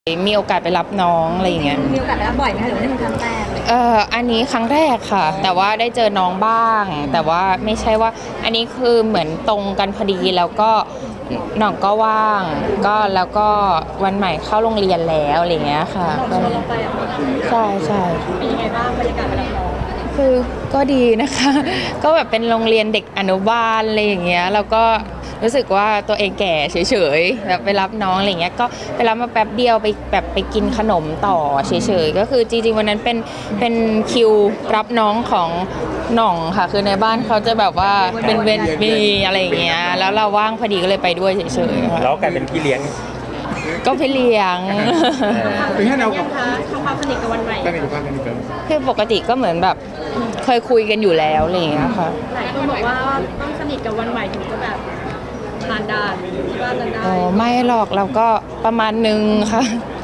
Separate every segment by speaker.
Speaker 1: มีโอกาสไปรับน้องอะไรอย่างเงี้ย
Speaker 2: มีโอกาสไปรับบ่อยไหมคะหรือว่านี่เป็นครั้งแรกเลย
Speaker 1: อันนี้ครั้งแรกค่ะแต่ว่าได้เจอน้องบ้างแต่ว่าไม่ใช่ว่าอันนี้คือเหมือนตรงกันพอดีแล้วก็น้องก็ว่างก็แล้วก็วันใหม่เข้าโรงเรียนแล้วอะไรเงี้ยค่ะ
Speaker 2: เราชวนเราไป
Speaker 1: ใช่ใช่
Speaker 2: เป็นยังไงบ้างบรรยากาศไปรับน้อง
Speaker 1: คือก็ดีนะคะก็แบบเป็นโรงเรียนเด็กอนุบาลอะไรอย่างเงี้ยแล้วก็รู้สึกว่าตัวเองแก่เฉยๆแบบไปรับน้องอะไรเงี้ยก็ไปรับมาแป๊บเดียวไปแบบไปกินขนมต่อเฉยๆก็คือจริงๆวันนั้นเป็นคิวรับน้องของหน่องค่ะคือในบ้านเขาจะแบบว่าเป็นเวรมีอะไรอย่างเงี้ยแล้วเราว่างพอดีก็เลยไปด้วยเฉยๆค่ะ
Speaker 3: แล้วกลายเป็นพี่เลี้ยง
Speaker 1: ก็ไปเลี้ยง
Speaker 2: เป็นแค่เรากับทำความสนิทกับวันใหม่
Speaker 1: คือปกติก็เหมือนแบบเคยคุยกันอยู่แล้วอะไรอย่างเงี้ยค่ะ
Speaker 2: หลายคนบอกว่าต้องสนิทกับวันใหม่ถึงจะแบบทานได้ที่บ้านนั้นได้
Speaker 1: อ๋อไม่หรอกเราก็ประมาณนึงค่ะ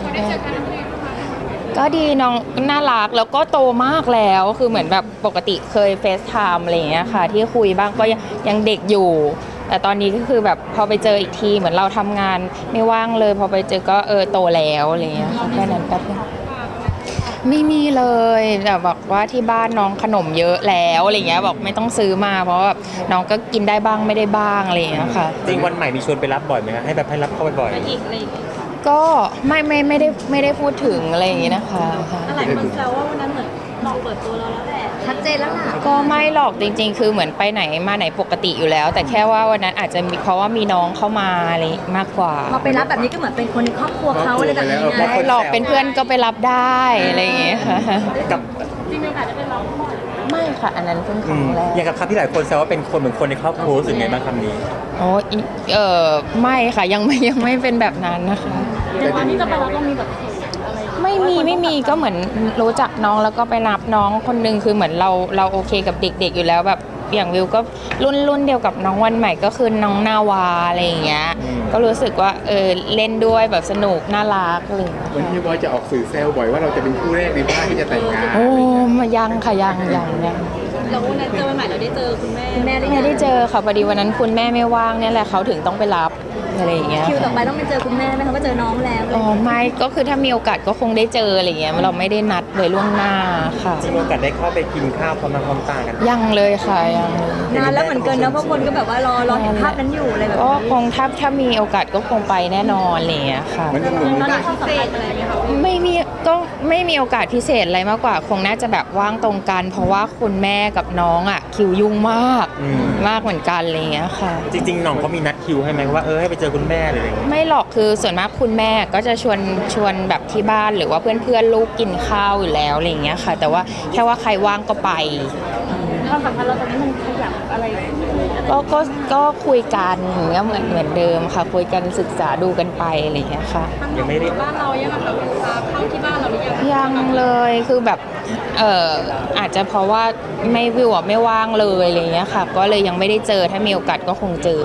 Speaker 1: ก็ดีน้องน่ารักแล้วก็โตมากแล้วคือเหมือนแบบปกติเคยเฟซไทม์อะไรอย่างเงี้ยค่ะที่คุยบ้างก็ยังเด็กอยู่แต่ตอนนี้ก็คือแบบพอไปเจออีกทีเหมือนเราทำงานไม่ว่างเลยพอไปเจอก็โตแล้วอะไรอย่างเงี้ยแค่นั้นแป๊บนึงไม่มีเลยแต่บอกว่าที่บ้านน้องขนมเยอะแล้วอะไรเงี้ยบอกไม่ต้องซื้อมาเพราะว่าน้องก็กินได้บ้างไม่ได้บ้างอะไรอย่างเงี้ยค่ะ
Speaker 3: จริงวันใหม่มีชวนไปรับบ่อยไหมคะให้แบบให้รับเข้าไปบ่อย
Speaker 2: อีกอะไร
Speaker 1: ก็ไม่ได้พูดถึงอะไรอย่างงี้นะคะ
Speaker 2: หลายคนแซวว่าวันนั้นเหมือนหลอกเปิดตัวเราแล้วแหละชัดเจนแล้วล่ะ
Speaker 1: ก็ไม่หรอกจริงๆคือเหมือนไปไหนมาไหนปกติอยู่แล้วแต่แค่ว่าวันนั้นอาจจะมีเพราะว่ามีน้องเข้ามาอะไรมากกว่า
Speaker 2: พอไปรับแบบนี้ก็เหมือนเป็นคนในครอบครัวเขาอะไรแบบนี้ไง
Speaker 1: ไม่หรอกเป็นเพื่อนก็ไปรับได้อะไรอย่างเงี้ยค่ะ
Speaker 3: กับ
Speaker 2: จริงๆอาจจะเป็นเรา
Speaker 1: ไม่ค่ะอันนั้นเพิ่งครั้งแรก
Speaker 3: อย่างกับคำที่หลายคนแซวว่าเป็นคนเหมือนคนในครอบครัวรู้สึกไงบ้างคำนี้
Speaker 1: โอ้ไม่ค่ะยังไม่เป็นแบบนั้นนะคะ
Speaker 2: แต่ตอนที่จะไปรับต้องมีแบบ
Speaker 1: ไม่มีก็เหมือนรู้จักน้องแล้วก็ไปรับน้องคนนึงคือเหมือนเราโอเคกับเด็กๆอยู่แล้วแบบอย่างวิวก็รุ่นเดียวกับน้องวันใหม่ก็คือน้องนาวาอะไรอย่างเงี้ยก็รู้สึกว่าเล่นด้วยแบบสนุกน่ารักเลย
Speaker 4: วันที่บอยจะออกสื่อแซวบ่อยว่าเราจะเป็นคู่แรกในบ้านที่จะแต่งงาน
Speaker 1: โอ้มายังค่ะยัง
Speaker 2: เราวันนั้นเจอวันใหม่เราได้เจอคุณแม่
Speaker 1: ไม่ได้เจอค่ะพอดีวันนั้นคุณแม่ไม่ว่างเนี่ยแหละเขาถึงต้องไปรับอะไรอย่างเงี้ย
Speaker 2: คิวต่อไปต้องไปเจอคุณแม่ไหมคะว่าเจอน้องแล้ว
Speaker 1: ไม่ก็คือถ้ามีโอกาสก็คงได้เจออะไรเงี้ยเราไม่ได้นัดไว้ล่วงหน้าค่ะ
Speaker 3: มีโอกาสได้เข้าไปกินข้าวพร้อมหน้าพร้อมตากัน
Speaker 1: ยังเลยค่ะยัง
Speaker 2: นานแล้วเหมือนกันนะเพราะคนก็แบบว่ารอเห็นภาพนั้นอยู่อะไรแบบ
Speaker 1: ก็คงถ้ามีโอกาสก็คงไปแน่นอนอะไรเงี้ยค่ะ
Speaker 2: มันต้องมีโอกาสพิเศษอะไรไหมคะ
Speaker 1: ไม่มีโอกาสพิเศษอะไรมากกว่าคงน่าจะแบบว่างตรงกันเพราะว่าคุณแม่กับน้องอ่ะคิวยุ่งมากเหมือนกันอะไรเงี้ยค่ะ
Speaker 3: จริงๆน้องเขามีนัดคิวให้ไหมว่าให้ไปเจอคุณแม่อะไรอย่างเงี้ย
Speaker 1: ไม่หรอกคือส่วนมากคุณแม่ก็จะชวนแบบที่บ้านหรือว่าเพื่อนลูกกินข้าวอยู่แล้วอะไรเงี้ยค่ะแต่ว่าแค่ว่าใครว่างก็ไป
Speaker 2: ความสัมพันธ์เราตอนนี้มันขยับอะไร
Speaker 1: ก็คุยกันอย่างเงี้ยเหมือนเดิมค่ะคุยกันศึกษาดูกันไปอะไรเงี้ยค่ะ
Speaker 3: ยังไม่ได้
Speaker 2: บ้านเรายังแบบเข้าที่บ้านเราหรือ
Speaker 1: ยังเลยคือแบบอาจจะเพราะว่าวิวไม่ว่างเลยอะไรเงี้ยค่ะก็เลยยังไม่ได้เจอถ้ามีโอกาสก็คงเจอ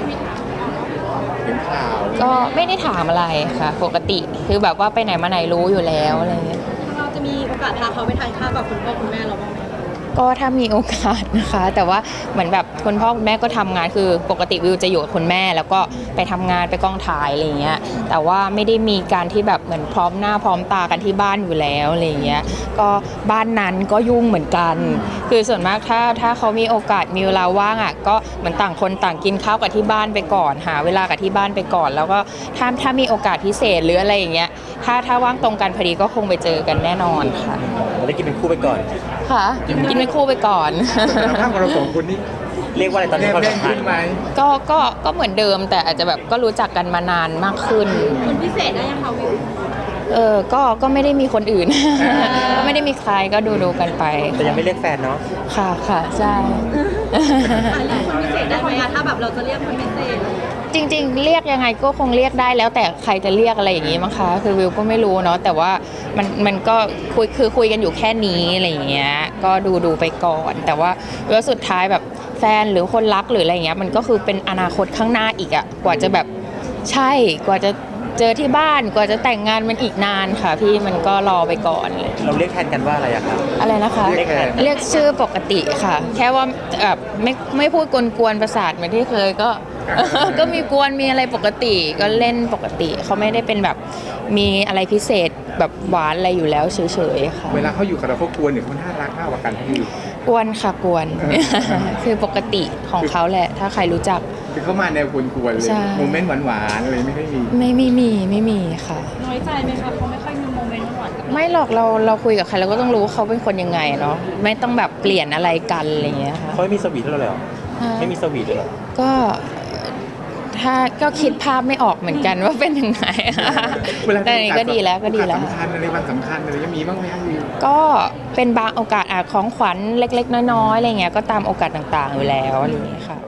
Speaker 1: ก็ไม่ได้ถามอะไรค่ะปกติคือแบบว่าไปไหนมาไหนรู้อยู่แล้วอะไรเงี้ย
Speaker 2: เราจะมีโอกาสพาเขาไปทานข้าวกับคุณพ่อคุณแม่เราบ้างไหม
Speaker 1: ก็ถ้ามีโอกาสนะคะแต่ว่าเหมือนแบบคุณพ่อคุณแม่ก็ทำงานคือปกติวิวจะอยู่กับคุณแม่แล้วก็ไปทำงานไปกองถ่ายอะไรเงี้ยแต่ว่าไม่ได้มีการที่แบบเหมือนพร้อมหน้าพร้อมตากันที่บ้านอยู่แล้วอะไรเงี้ยก็บ้านนั้นก็ยุ่งเหมือนกันคือส่วนมากถ้าเขามีโอกาสมีเวลาว่างอ่ะก็เหมือนต่างคนต่างกินข้าวกับที่บ้านไปก่อนหาเวลากับที่บ้านไปก่อนแล้วก็ถ้ามีโอกาสพิเศษหรืออะไรอย่างเงี้ยถ้าว่างตรงกันพอดีก็คงไปเจอกันแน่นอนค่ะ
Speaker 3: ได้กินเป็นคู่ไปก่อน
Speaker 1: ค่ะกินเป็นคู่ไปก่อน
Speaker 4: ข้างกับเราสองคนนี้
Speaker 3: เรียกว่าอะไรตอนนี้ความสัมพันธ์
Speaker 1: ก็เหมือนเดิมแต่อาจจะแบบก็รู้จักกันมานานมากขึ้น
Speaker 2: คนพิเศษได้ยังคะวิว
Speaker 1: ก็ไม่ได้มีคนอื่นก็ไม่ได้มีใครก็ดูกันไป
Speaker 3: แต่ยังไม่เรียกแฟนเนาะ
Speaker 1: ค่ะใช่
Speaker 2: คนพิเศษได้ไหมถ้าแบบเราจะเรียกคนพิเศษ
Speaker 1: จริงๆเรียกยังไงก็คงเรียกได้แล้วแต่ใครจะเรียกอะไรอย่างงี้มั้งคะคือวิวก็ไม่รู้เนาะแต่ว่ามันก็คุยกันอยู่แค่นี้อะไรอย่างเงี้ยก็ดูไปก่อนแต่ว่าแล้วสุดท้ายแบบแฟนหรือคนรักหรืออะไรอย่างเงี้ยมันก็คือเป็นอนาคตข้างหน้าอีกอะกว่าจะแบบใช่กว่าจะเจอที่บ้านกว่าจะแต่งงานมันอีกนานค่ะพี่มันก็รอไปก่อนเลย
Speaker 3: เราเรียกแทนกันว่าอะไรอะครับ
Speaker 1: อะไรนะคะเรียกชื่อปกติค่ะแค่ว่าแบบไม่พูดกวนๆประสาทเหมือนที่เคยก็ก็มีกวนมีอะไรปกติก็เล่นปกติเขาไม่ได้เป็นแบบมีอะไรพิเศษแบบหวานอะไรอยู่แล้วเฉยๆค่ะ
Speaker 4: เวลาเขาอยู่กับเราเขากวนหรือเขาน่ารักมากกว่ากันพี่
Speaker 1: กวนค่ะกวน คือปกติของเขาแหละ ถ้าใครรู้จัก
Speaker 4: คือเขามาแนวกวนๆเลย
Speaker 1: ใช่
Speaker 4: โมเมนต์หวานๆอะไรไม่ค่อยมี
Speaker 1: ไม่มีค่ะ
Speaker 2: น้อยใจไหมคะเขาไม่ค่อยมีโมเมนต์หวานกับเรา
Speaker 1: ไม่หรอกเราคุยกับใครเราก็ต้องรู้ว่าเขาเป็นคนยังไงเนาะไม่ต้องแบบเปลี่ยนอะไรกันอะไรอย่างเงี้ยค่ะ
Speaker 3: เขาไม่มีสวีทด้วยเหรอไม่มีสวีทด้วยเหรอ
Speaker 1: ก็ถ้าก็คิดภาพไม่ออกเหมือนกันว่าเป็นยังไง
Speaker 4: เวลา
Speaker 1: แต่อันนี้ก็ดีแล้วก็ดีแล้ว
Speaker 4: โอกาสสำคัญอะไรวันสำคัญอะไรจะมีบ้างไหมครับวิว
Speaker 1: ก็เป็นบางโอกาสของขวัญเล็กๆ น้อยๆอะไรเงี้ยก็ตามโอกาสต่างๆอยู่แล้วอะไรอย่างเงี้ยค่ะ